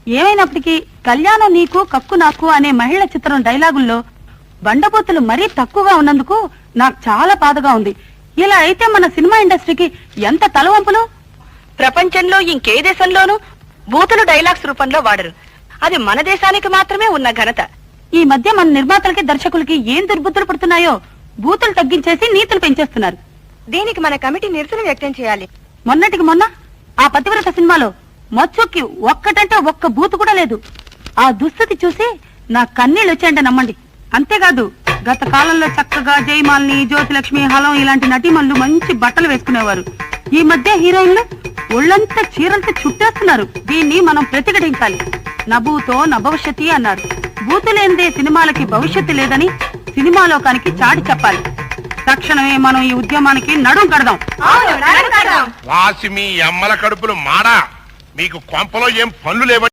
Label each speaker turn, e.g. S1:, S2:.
S1: ఏమైనప్పటికీ కళ్యాణం నీకు కక్కు నాకు అనే మహిళ చిత్రం డైలాగుల్లో బండబూతులు మరీ తక్కువగా ఉన్నందుకు నాకు చాలా బాధగా ఉంది. ఇలా అయితే మన సినిమా ఇండస్ట్రీకి ఎంత తలవంపులు.
S2: ప్రపంచంలో ఇంకే దేశంలోనూ బూతులు డైలాగ్స్ రూపంలో వాడరు. అది మన దేశానికి మాత్రమే ఉన్న ఘనత.
S1: ఈ మధ్య మన నిర్మాతలకి దర్శకులకి ఏం దుర్బుద్ధులు పడుతున్నాయో బూతులు తగ్గించేసి నీతులు పెంచేస్తున్నారు.
S2: దీనికి మన కమిటీ నిరసన వ్యక్తం చేయాలి.
S1: మొన్నటికి మొన్న ఆ పతివ్రత సినిమాలో మచ్చుకి ఒక్కటంటే ఒక్క బూతు కూడా లేదు. ఆ దుస్థితి చూసి నా కన్నీళ్ళు వచ్చాయంటే నమ్మండి. అంతేకాదు గత కాలంలో చక్కగా జయమాలిని, జ్యోతిలక్ష్మి, హలం ఇలాంటి నటీమణులు మంచి బట్టలు వేసుకునేవారు. ఈ మధ్య హీరోయిన్లు ఒళ్ళంతా చీరలతో చుట్టేస్తున్నారు. దీన్ని మనం ప్రతిఘటించాలి. నభూతో నభవిష్యతి అన్నారు. బూతు లేనిదే సినిమాలకి భవిష్యత్తు లేదని సినిమా లోకానికి చాటి చెప్పాలి. తక్షణమే మనం ఈ ఉద్యమానికి నడుం కడదాం.
S3: వాసి మీ అమ్మల కడుపులు మాడా, మీకు కొంపలో ఏం పనులు లేవ?